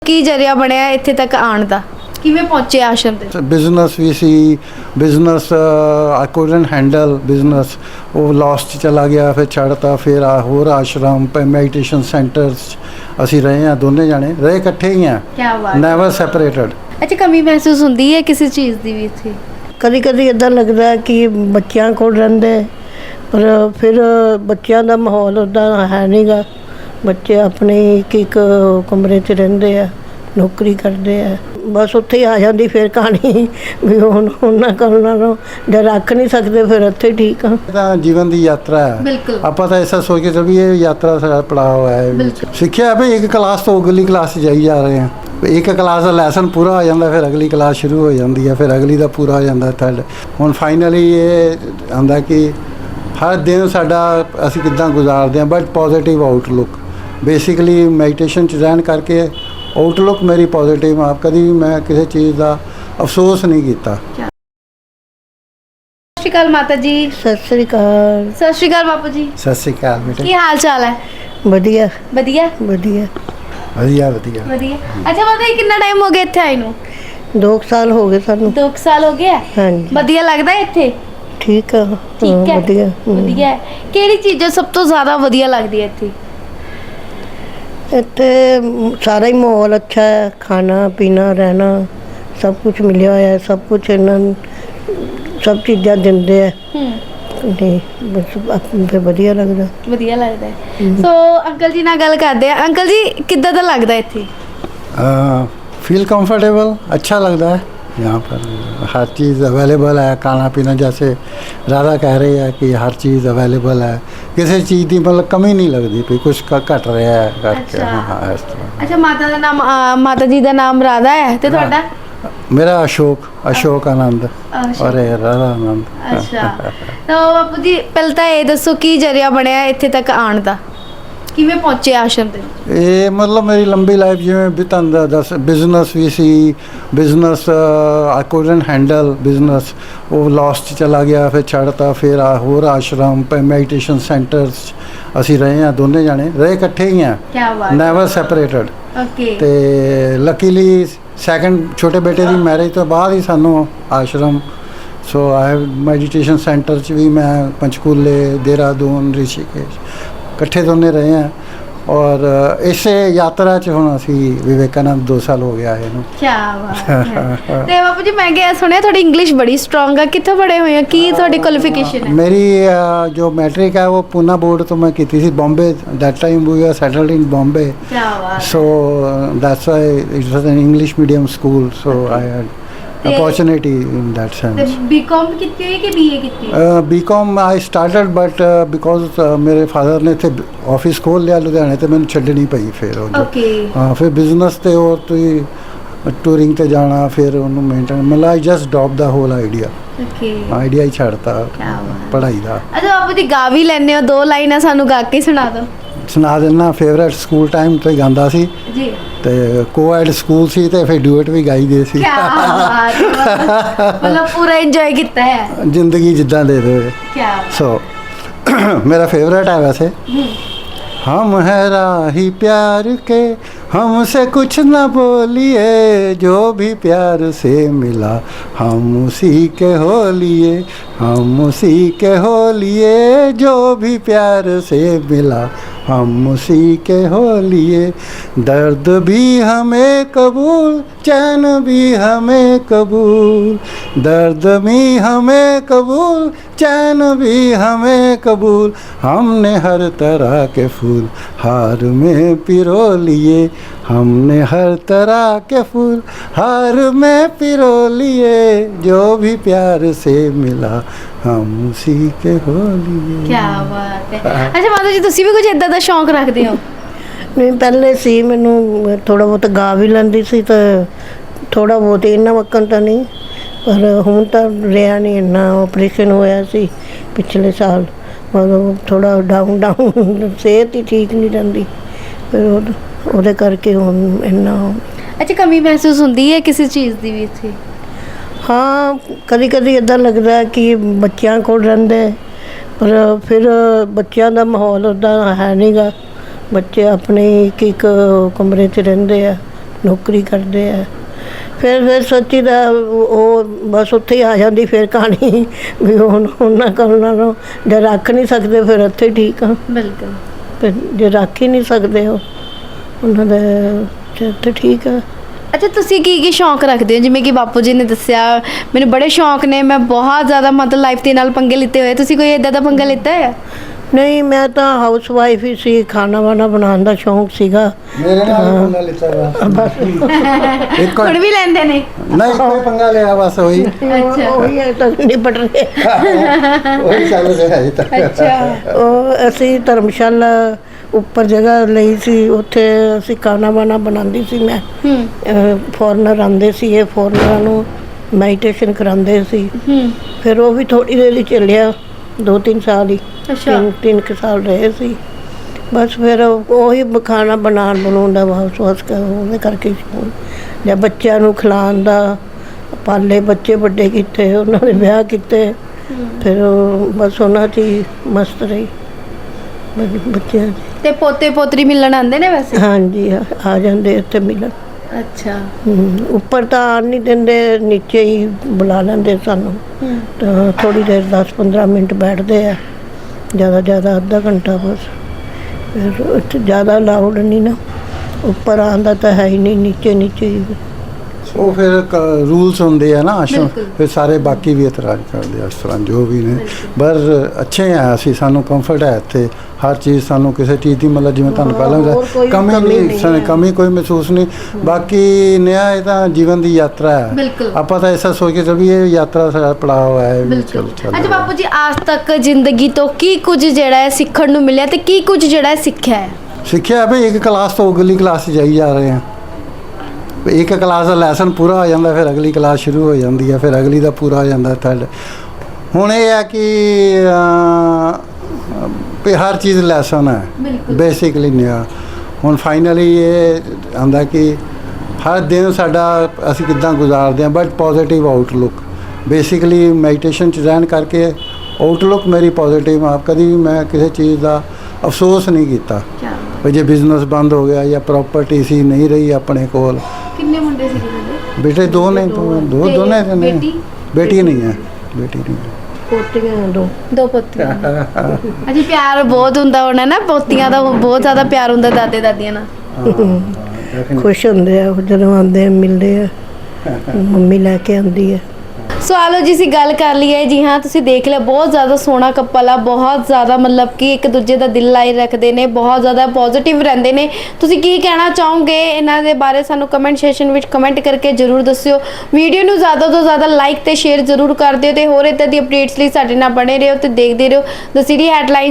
ਕੀ ਜਰੀਆ ਬਣਿਆ ਇੱਥੇ ਤੱਕ ਆਉਣ ਦਾ? ਕਿਵੇਂ ਪਹੁੰਚੇ ਆਸ਼ਰਮ ਤੇ? बिजनेस भी सी business I couldn't handle business वो लॉस्ट चला गया फिर छड़ता फिर होर आश्रम मैडिटेशन सेंटर्स ਅਸੀਂ ਰਹੇ ਹਾਂ ਦੋਨੇ ਜਾਣੇ ਰਹੇ ਇਕੱਠੇ ਹੀ ਆ ਕੀ ਬਾਤ, ਨੈਵਰ ਸੈਪਰੇਟਡ। ਅੱਛਾ ਕਮੀ ਮਹਿਸੂਸ ਹੁੰਦੀ ਹੈ ਕਿਸੇ ਚੀਜ਼ ਦੀ ਵੀ ਇੱਥੇ? ਕਦੀ ਕਦੀ ਇੱਦਾਂ ਲੱਗਦਾ ਕਿ ਬੱਚਿਆਂ ਕੋਲ ਰਹਿੰਦੇ ਪਰ ਫਿਰ ਬੱਚਿਆਂ ਦਾ ਮਾਹੌਲ ਉੱਦਾਂ ਹੈ ਨਹੀਂਗਾ। ਬੱਚੇ ਆਪਣੇ ਇੱਕ ਕਮਰੇ 'ਚ ਰਹਿੰਦੇ ਆ, ਨੌਕਰੀ ਕਰਦੇ ਆ, ਬਸ ਉੱਥੇ ਹੀ ਆ ਜਾਂਦੀ ਫਿਰ ਕਹਾਣੀ ਵੀ ਹੁਣ ਉਹਨਾਂ ਕੋਲੋਂ ਜੇ ਰੱਖ ਨਹੀਂ ਸਕਦੇ ਫਿਰ ਇੱਥੇ ਠੀਕ ਆ। ਤਾਂ ਜੀਵਨ ਦੀ ਯਾਤਰਾ ਹੈ, ਬਿਲਕੁਲ ਆਪਾਂ ਤਾਂ ਐਸਾ ਸੋਚ ਕੇ ਚੱਲੀਏ ਇਹ ਯਾਤਰਾ ਸਾਡਾ ਪੜਾਅ ਹੋਇਆ ਹੈ। ਸਿੱਖਿਆ ਵੀ ਇੱਕ ਕਲਾਸ ਤੋਂ ਅਗਲੀ ਕਲਾਸ 'ਚ ਜਾਈ ਜਾ ਰਹੇ ਹਾਂ, ਇੱਕ ਕਲਾਸ ਦਾ ਲੈਸਨ ਪੂਰਾ ਹੋ ਜਾਂਦਾ ਫਿਰ ਅਗਲੀ ਕਲਾਸ ਸ਼ੁਰੂ ਹੋ ਜਾਂਦੀ ਹੈ, ਫਿਰ ਅਗਲੀ ਦਾ ਪੂਰਾ ਹੋ ਜਾਂਦਾ ਥਰਡ। ਹੁਣ ਫਾਈਨਲੀ ਇਹ ਆਉਂਦਾ ਕਿ ਹਰ ਦਿਨ ਸਾਡਾ ਅਸੀਂ ਕਿੱਦਾਂ ਗੁਜ਼ਾਰਦੇ ਹਾਂ but positive outlook. Basically meditation 'ਚ ਰਹਿਣ ਕਰਕੇ ਆਊਟਲੁੱਕ ਮੇਰੀ ਪੋਜ਼ੀਟਿਵ ਆ, ਕਦੀ ਵੀ ਮੈਂ ਕਿਸੇ ਚੀਜ਼ ਦਾ ਅਫਸੋਸ ਨਹੀਂ ਕੀਤਾ। ਸਤਿ ਸ਼੍ਰੀ ਅਕਾਲ ਮਾਤਾ ਜੀ। ਸਤਿ ਸ੍ਰੀ ਅਕਾਲ। ਸਤਿ ਸ਼੍ਰੀ ਅਕਾਲ ਬਾਪੂ ਜੀ। ਸਤਿ ਸ਼੍ਰੀ ਅਕਾਲ ਬੇਟੇ। ਕੀ ਹਾਲ ਚਾਲ ਹੈ? ਵਧੀਆ ਵਧੀਆ ਵਧੀਆ ਵਧੀਆ ਵਧੀਆ। ਵਧੀਆ। ਅੱਛਾ ਮਾਤਾ ਜੀ ਕਿੰਨਾ ਟਾਈਮ ਹੋ ਗਿਆ ਇੱਥੇ ਆਏ ਨੂੰ? 2 ਸਾਲ ਹੋ ਗਏ ਸਾਨੂੰ। 2 ਸਾਲ ਹੋ ਗਏ? ਹਾਂਜੀ ਵਧੀਆ ਲੱਗਦਾ ਹੈ ਇੱਥੇ? ਠੀਕ ਆ। ਠੀਕ ਹੈ, ਵਧੀਆ ਵਧੀਆ ਹੈ। ਕਿਹੜੀ ਚੀਜ਼ ਸਭ ਤੋਂ ਜ਼ਿਆਦਾ ਵਧੀਆ ਲੱਗਦੀ ਹੈ ਇੱਥੇ? ਇੱਥੇ ਸਾਰਾ ਹੀ ਮਾਹੌਲ ਅੱਛਾ ਹੈ, ਖਾਣਾ ਪੀਣਾ ਰਹਿਣਾ ਸਭ ਕੁਝ ਮਿਲਿਆ ਹੋਇਆ ਹੈ, ਸਭ ਕੁਝ ਇਹਨਾਂ ਨੂੰ ਸਭ ਚੀਜ਼ਾਂ ਦਿੰਦੇ ਆ ਤੇ ਬਸ ਫਿਰ ਵਧੀਆ ਲੱਗਦਾ। ਵਧੀਆ ਲੱਗਦਾ ਹੈ। ਸੋ ਅੰਕਲ ਜੀ ਨਾਲ ਗੱਲ ਕਰਦੇ ਆ। ਅੰਕਲ ਜੀ ਕਿੱਦਾਂ ਦਾ ਲੱਗਦਾ ਇੱਥੇ? फील कंफर्टेबल, अच्छा लगता है। यहाँ पर हर चीज़ अवेलेबल है, खाना पीना जैसे राधा कह रही है कि हर चीज़ अवेलेबल है, किसी चीज़ की मतलब कमी नहीं लगती भी कुछ घट रहा है करके। हाँ इस तरह। ਅੱਛਾ ਮਾਤਾ ਦਾ ਨਾਮ ਮਾਤਾ ਜੀ ਦਾ ਨਾਮ ਰਾਧਾ ਹੈ ਤੇ ਤੁਹਾਡਾ? मेरा अशोक आनंद और ये राधा आनंद। ਅੱਛਾ ਤਾਂ ਬਾਪੂ ਜੀ ਪਹਿਲਾਂ ਤਾਂ ਇਹ ਦੱਸੋ ਕੀ ਜਰੀਆ ਬਣਿਆ ਇੱਥੇ ਤੱਕ ਆਉਣ ਦਾ? ਕਿਵੇਂ ਪਹੁੰਚੇ ਆਸ਼ਰਮ ਤੇ? ਇਹ ਮਤਲਬ ਮੇਰੀ ਲੰਬੀ ਲਾਈਫ ਜਿਵੇਂ ਬਿਤਾਂ ਦਾ ਦੱਸ ਬਿਜ਼ਨਸ ਵੀ ਸੀ, business I couldn't handle business ਉਹ ਲੌਸਟ ਚਲਾ ਗਿਆ ਫਿਰ ਛੜਤਾ ਫਿਰ ਹੋਰ ਆਸ਼ਰਮ ਮੈਡੀਟੇਸ਼ਨ ਸੈਂਟਰਸ ਅਸੀਂ ਰਹੇ ਹਾਂ ਦੋਨੇ ਜਾਣੇ ਰਹੇ ਇਕੱਠੇ ਹੀ ਆ ਕੀ ਬਾਤ, ਨੈਵਰ ਸੈਪਰੇਟਡ। ਓਕੇ ਤੇ ਲੱਕੀਲੀ ਸੈਕੰਡ ਛੋਟੇ ਬੇਟੇ ਦੀ ਮੈਰਿਜ ਤੋਂ ਬਾਅਦ ਹੀ ਸਾਨੂੰ ਆਸ਼ਰਮ ਸੋ ਆਈ ਮੈਡੀਟੇਸ਼ਨ ਸੈਂਟਰ 'ਚ ਵੀ ਮੈਂ ਪੰਚਕੂਲੇ ਦੇਹਰਾਦੂਨ ਰਿਸ਼ੀਕੇਸ਼ ਇਕੱਠੇ ਦੋਨੇ ਰਹੇ ਹਾਂ ਔਰ ਇਸੇ ਯਾਤਰਾ 'ਚ ਹੁਣ ਅਸੀਂ ਵਿਵੇਕਾਨੰਦ 2 ਸਾਲ ਹੋ ਗਿਆ ਇਹਨੂੰ। ਕੀ ਬਾਤ ਹੈ। ਤੇ ਬਾਪੂ ਜੀ ਮੈਂ ਕਿਹਾ ਸੁਣਿਆ ਤੁਹਾਡੀ ਇੰਗਲਿਸ਼ ਬੜੀ ਸਟਰੋਂਗ ਆ, ਕਿੱਥੋਂ ਪੜ੍ਹੇ ਹੋਏ ਆ? ਕੀ ਤੁਹਾਡੀ ਕੁਆਲੀਫਿਕੇਸ਼ਨ ਹੈ? ਮੇਰੀ ਜੋ ਮੈਟ੍ਰਿਕ ਹੈ ਉਹ ਪੂਨਾ ਬੋਰਡ ਤੋਂ ਮੈਂ ਕੀਤੀ ਸੀ Bombay. That time we are settled in Bombay ਕੀ ਬਾਤ। So that's why it was an English medium school so I had opportunity in that ਤੇ sense. ਬੀਕਾਮ ਕੀਤੀ ਹੋਈ ਕਿ ਬੀਏ ਕੀਤੀ ਹੋਈ? BCom I started but because ਮੇਰੇ ਫਾਦਰ ਨੇ ਇੱਥੇ ਆਫਿਸ ਖੋਲ੍ਹ ਲਿਆ ਲੁਧਿਆਣੇ ਤੇ ਮੈਨੂੰ ਛੱਡਣੀ ਪਈ ਫਿਰ ਉਹ ਜੋ। ਓਕੇ ਹਾਂ ਫਿਰ ਬਿਜ਼ਨਸ ਤੇ ਹੋਰ ਤੁਸੀਂ ਟੂਰਿੰਗ ਤੇ ਜਾਣਾ ਫਿਰ ਉਹਨੂੰ ਮੇਨਟੇਨ ਮਤਲਬ I just drop the whole idea okay ਹੀ ਛੱਡਤਾ ਕੀ ਬਾਤ। ਪੜ੍ਹਾਈ ਦਾ। ਅੱਛਾ ਬਾਪੂ ਜੀ ਗਾ ਵੀ ਲੈਂਦੇ ਹੋ? 2 ਲਾਈਨਾਂ ਸਾਨੂੰ ਗਾ ਕੇ ਸੁਣਾ ਦਿਓ। ਸੁਣਾ ਦਿੰਦਾ। ਫੇਵਰੇਟ ਸਕੂਲ ਟਾਈਮ ਤੋਂ ਹੀ ਗਾਉਂਦਾ ਸੀ ਜੀ ਤੇ ਕੋਐਡ ਸਕੂਲ ਸੀ ਤੇ ਫਿਰ ਡੂਇਟ ਵੀ ਗਾਈ ਦੇ ਸੀ। ਕੀ ਬਾਤ ਹੈ। ਮਤਲਬ ਪੂਰਾ ਇੰਜੋਏ ਕੀਤਾ ਹੈ ਜ਼ਿੰਦਗੀ ਜਿੱਦਾਂ ਦੇ ਦੇ। ਕੀ ਬਾਤ। ਸੋ मेरा फेवरेट है वैसे। हम है राही प्यार के हमसे कुछ न बोलिए, जो भी प्यार से मिला हम उसी के हो लिए, हम उसी के हो लिए, जो भी प्यार से मिला हम उसी के हो लिए। दर्द भी हमें कबूल, चैन भी हमें कबूल, दर्द भी हमें कबूल, चैन भी हमें कबूल। हमने हर तरह के फूल हार में पिरो लिए, हमने हर तरह के फूल हार में पिरो लिए, जो भी प्यार से मिला हम उसी के हो लिए। ਕੀ ਬਾਤ ਹੈ। ਅੱਛਾ ਮਾਤਾ ਜੀ ਤੁਸੀਂ ਵੀ ਕੁਝ ਇਦਾਂ ਦਾ ਸ਼ੌਂਕ ਰੱਖਦੇ ਹੋ? ਨਹੀਂ ਪਹਿਲੇ ਸੀ, ਮੈਨੂੰ ਥੋੜਾ ਬਹੁਤ ਗਾ ਵੀ ਲੈਂਦੀ ਸੀ ਤੇ ਥੋੜਾ ਬਹੁਤ ਇੰਨਾ ਵਕਨ ਤਾਂ ਨਹੀਂ ਪਰ ਹੁਣ ਤਾਂ ਰਿਹਾ ਨਹੀਂ ਇੰਨਾ। ਆਪਰੇਸ਼ਨ ਹੋਇਆ ਸੀ ਪਿਛਲੇ ਸਾਲ, ਮਤਲਬ ਥੋੜਾ ਡਾਊਨ ਸਿਹਤ ਹੀ ਠੀਕ ਨਹੀਂ ਰਹਿੰਦੀ ਫਿਰ ਉਹਦੇ ਕਰਕੇ ਹੁਣ ਇੰਨਾ। ਅੱਛਾ ਕਮੀ ਮਹਿਸੂਸ ਹੁੰਦੀ ਹੈ ਕਿਸੇ ਚੀਜ਼ ਦੀ ਵੀ ਇੱਥੇ? ਹਾਂ ਕਦੀ ਕਦੀ ਇੱਦਾਂ ਲੱਗਦਾ ਕਿ ਬੱਚਿਆਂ ਕੋਲ ਰਹਿੰਦੇ ਪਰ ਫਿਰ ਬੱਚਿਆਂ ਦਾ ਮਾਹੌਲ ਉੱਦਾਂ ਹੈ ਨਹੀਂਗਾ। ਬੱਚੇ ਆਪਣੇ ਇੱਕ ਕਮਰੇ 'ਚ ਰਹਿੰਦੇ ਆ, ਨੌਕਰੀ ਕਰਦੇ ਆ। ਫਿਰ ਸੱਚੀ ਦਾ ਉਹ ਬਸ ਉੱਥੇ ਹੀ ਆ ਜਾਂਦੀ ਫਿਰ ਕਹਾਣੀ ਵੀ ਹੁਣ ਉਹਨਾਂ ਕਰਨ ਨਾਲੋਂ ਜੇ ਰੱਖ ਨਹੀਂ ਸਕਦੇ ਫਿਰ ਇੱਥੇ ਠੀਕ ਆ। ਬਿਲਕੁਲ। ਫਿਰ ਜੇ ਰੱਖ ਹੀ ਨਹੀਂ ਸਕਦੇ ਉਹ ਉਹਨਾਂ ਦਾ ਤੇ ਠੀਕ ਆ। ਅੱਛਾ, ਤੁਸੀਂ ਕੀ ਸ਼ੌਂਕ ਰੱਖਦੇ ਹੋ? ਜਿਵੇਂ ਕਿ ਬਾਪੂ ਜੀ ਨੇ ਦੱਸਿਆ ਮੈਨੂੰ ਬੜੇ ਸ਼ੌਂਕ ਨੇ, ਮੈਂ ਬਹੁਤ ਜ਼ਿਆਦਾ ਮਤਲਬ ਲਾਈਫ ਦੇ ਨਾਲ ਪੰਗੇ ਲਿੱਤੇ ਹੋਏ, ਤੁਸੀਂ ਕੋਈ ਇਦਾਂ ਦਾ ਪੰਗਾ ਲਿੱਤਾ ਹੈ? ਨਹੀਂ, ਮੈਂ ਤਾਂ ਹਾਊਸ ਵਾਈਫ ਹੀ ਸੀ। ਖਾਣਾ ਵਾਣਾ ਬਣਾਉਣ ਦਾ ਸ਼ੌਂਕ ਸੀਗਾ। ਮੇਰੇ ਨਾਲ ਵੀ ਪੰਗਾ ਲਿੱਤਾ ਵਾ ਇੱਕ ਹੁਣ ਵੀ ਲੈਂਦੇ ਨੇ? ਨਹੀਂ, ਕੋਈ ਪੰਗਾ ਲਿਆ ਬਸ ਉਹੀ ਅੱਛਾ। ਉਹੀ ਹੈ ਤਾਂ ਨਿਪਟ ਰਹੇ। ਉਹੀ ਚੱਲ ਰਿਹਾ ਹੈ ਤੱਕ। ਅੱਛਾ। ਉਹ ਅਸੀਂ ਧਰਮਸ਼ਾਲਾ ਉੱਪਰ ਜਗ੍ਹਾ ਲਈ ਸੀ, ਉੱਥੇ ਅਸੀਂ ਖਾਣਾ ਵਾਣਾ ਬਣਾਉਂਦੀ ਸੀ ਮੈਂ। ਫੋਰਨਰ ਆਉਂਦੇ ਸੀ, ਇਹ ਫੋਰਨਰਾਂ ਨੂੰ ਮੈਡੀਟੇਸ਼ਨ ਕਰਾਉਂਦੇ ਸੀ। ਫਿਰ ਉਹ ਵੀ ਥੋੜ੍ਹੀ ਦੇਰ ਹੀ ਚੱਲਿਆ, 2-3 ਸਾਲ ਹੀ। ਅੱਛਾ। 3 ਸਾਲ ਰਹੇ ਸੀ ਬਸ। ਫਿਰ ਉਹੀ ਖਾਣਾ ਬਣਾਉਣ ਦਾ ਵਾਸ ਉਹਦੇ ਕਰਕੇ ਜਾਂ ਬੱਚਿਆਂ ਨੂੰ ਖਿਲਾਉਣ ਦਾ, ਪਾਲੇ ਬੱਚੇ ਵੱਡੇ ਕੀਤੇ, ਉਹਨਾਂ ਦੇ ਵਿਆਹ ਕੀਤੇ। ਫਿਰ ਬਸ ਉਹਨਾਂ 'ਚ ਹੀ ਮਸਤ ਰਹੀ ਬੱਚਿਆਂ 'ਚ। ਤੇ ਪੋਤੇ ਪੋਤਰੀ ਮਿਲਣ ਆਉਂਦੇ ਨੇ ਵੈਸੇ? ਹਾਂਜੀ, ਆ ਜਾਂਦੇ ਇੱਥੇ ਮਿਲਣ। ਅੱਛਾ। ਉੱਪਰ ਤਾਂ ਆਉਣ ਨਹੀਂ ਦਿੰਦੇ, ਨੀਚੇ ਹੀ ਬੁਲਾ ਲੈਂਦੇ ਸਾਨੂੰ। ਤਾਂ ਥੋੜ੍ਹੀ ਦੇਰ 10-15 ਮਿੰਟ ਬੈਠਦੇ ਆ, ਜ਼ਿਆਦਾ ਅੱਧਾ ਘੰਟਾ ਬਸ। ਫਿਰ ਉੱਥੇ ਜ਼ਿਆਦਾ ਅਲਾਊਡ ਨਹੀਂ ਨਾ, ਉੱਪਰ ਆਉਣ ਦਾ ਤਾਂ ਹੈ ਹੀ ਨਹੀਂ, ਨੀਚੇ ਹੀ। ਉਹ ਫਿਰ ਰੂਲਸ ਹੁੰਦੇ ਆ ਨਾ ਆਸ਼ਰਮ, ਫਿਰ ਸਾਰੇ ਬਾਕੀ ਵੀ ਇਤਰਾਜ਼ ਕਰਦੇ ਆ ਇਸ ਤਰ੍ਹਾਂ ਜੋ ਵੀ ਨੇ। ਪਰ ਅੱਛੇ ਆ ਅਸੀਂ, ਸਾਨੂੰ ਕੰਫਰਟ ਹੈ ਇੱਥੇ ਹਰ ਚੀਜ਼, ਸਾਨੂੰ ਕਿਸੇ ਚੀਜ਼ ਦੀ ਮਤਲਬ ਜਿਵੇਂ ਤੁਹਾਨੂੰ ਪਹਿਲਾਂ ਕਮੀ ਨਹੀਂ, ਕਮੀ ਕੋਈ ਮਹਿਸੂਸ ਨਹੀਂ। ਬਾਕੀ ਨਿਆ ਇਹ ਤਾਂ ਜੀਵਨ ਦੀ ਯਾਤਰਾ ਹੈ, ਆਪਾਂ ਤਾਂ ਐਸਾ ਸੋਚ ਕੇ ਚੱਲੀ ਇਹ ਯਾਤਰਾ ਸਾਡਾ ਪੜਾਅ ਹੈ। ਅੱਛਾ ਬਾਪੂ ਜੀ, ਅੱਜ ਤੱਕ ਜ਼ਿੰਦਗੀ ਤੋਂ ਕੀ ਕੁਝ ਜਿਹੜਾ ਹੈ ਸਿੱਖਣ ਨੂੰ ਮਿਲਿਆ ਤੇ ਕੀ ਕੁਝ ਜਿਹੜਾ ਹੈ ਸਿੱਖਿਆ ਹੈ? ਸਿੱਖਿਆ ਵੀ ਇੱਕ ਕਲਾਸ ਤੋਂ ਅਗਲੀ ਕਲਾਸ 'ਚ ਜਾਈ ਜਾ ਰਹੇ ਹਾਂ। ਇੱਕ ਕਲਾਸ ਦਾ ਲੈਸਨ ਪੂਰਾ ਹੋ ਜਾਂਦਾ, ਫਿਰ ਅਗਲੀ ਕਲਾਸ ਸ਼ੁਰੂ ਹੋ ਜਾਂਦੀ ਹੈ, ਫਿਰ ਅਗਲੀ ਦਾ ਪੂਰਾ ਹੋ ਜਾਂਦਾ ਥਰਡ। ਹੁਣ ਇਹ ਹੈ ਕਿ ਹਰ ਚੀਜ਼ ਲੈਸਨ ਹੈ ਬੇਸਿਕਲੀ ਨਿਆ। ਹੁਣ ਫਾਈਨਲੀ ਇਹ ਆਉਂਦਾ ਕਿ ਹਰ ਦਿਨ ਸਾਡਾ ਅਸੀਂ ਕਿੱਦਾਂ ਗੁਜ਼ਾਰਦੇ ਹਾਂ, but positive outlook. Basically meditation 'ਚ ਰਹਿਣ ਕਰਕੇ ਆਊਟਲੁੱਕ ਮੇਰੀ ਪੋਜ਼ੀਟਿਵ ਆ। ਕਦੀ ਵੀ ਮੈਂ ਕਿਸੇ ਚੀਜ਼ ਦਾ ਅਫਸੋਸ ਨਹੀਂ ਕੀਤਾ ਵੀ ਜੇ ਬਿਜ਼ਨਸ ਬੰਦ ਹੋ ਗਿਆ ਜਾਂ ਪ੍ਰੋਪਰਟੀ ਸੀ ਨਹੀਂ ਰਹੀ ਆਪਣੇ ਕੋਲ। ਕਿੰਨੇ ਮੁੰਡੇ ਸੀ ਤੁਹਾਡੇ? ਬੇਟੇ ਦੋ ਨੇ, ਦੋਨੇ ਨੇ। ਬੇਟੀ ਨਹੀਂ ਹੈ, ਬੇਟੀ ਨਹੀਂ ਹੈ। ਪੋਤੀਆਂ ਦੋ ਪੋਤੀਆਂ। ਅਜੀ ਪਿਆਰ ਬਹੁਤ ਹੁੰਦਾ ਹੋਣਾ ਨਾ, ਪੋਤੀਆਂ ਦਾ ਬਹੁਤ ਜ਼ਿਆਦਾ ਪਿਆਰ ਹੁੰਦਾ ਦਾਦੇ ਦਾਦੀਆਂ ਨਾਲ। ਖੁਸ਼ ਹੁੰਦੇ ਆ ਜਦੋਂ ਆਉਂਦੇ ਆ, ਮਿਲਦੇ ਆ, ਮੰਮੀ ਲੈ ਕੇ ਆਉਂਦੀ ਹੈ। ਸੋ ਆਲੋ ਜੀ ਅਸੀਂ ਗੱਲ ਕਰ ਲਈ ਹੈ। ਜੀ ਹਾਂ, ਤੁਸੀਂ ਦੇਖ ਲਿਆ ਬਹੁਤ ਜ਼ਿਆਦਾ ਸੋਹਣਾ ਕਪਲ ਆ, ਬਹੁਤ ਜ਼ਿਆਦਾ ਮਤਲਬ ਕਿ ਇੱਕ ਦੂਜੇ ਦਾ ਦਿਲ ਲਾਈ ਰੱਖਦੇ ਨੇ, ਬਹੁਤ ਜ਼ਿਆਦਾ ਪੋਜ਼ਿਟਿਵ ਰਹਿੰਦੇ ਨੇ। ਤੁਸੀਂ ਕੀ ਕਹਿਣਾ ਚਾਹੋਗੇ ਇਹਨਾਂ ਦੇ ਬਾਰੇ ਸਾਨੂੰ ਕਮੈਂਟ ਸੈਕਸ਼ਨ ਵਿੱਚ ਕਮੈਂਟ ਕਰਕੇ ਜ਼ਰੂਰ ਦੱਸਿਓ। ਵੀਡੀਓ ਨੂੰ ਜ਼ਿਆਦਾ ਤੋਂ ਜ਼ਿਆਦਾ ਲਾਈਕ ਤੇ ਸ਼ੇਅਰ ਜ਼ਰੂਰ ਕਰ ਦਿਓ ਤੇ ਹੋਰ ਇੱਦਾਂ ਦੀ ਅਪਡੇਟਸ ਲਈ ਸਾਡੇ ਨਾਲ ਬਣੇ ਰਹੋ ਤੇ ਦੇਖਦੇ ਰਹੋ ਦ ਸਿਟੀ ਹੈਡਲਾਈਨ।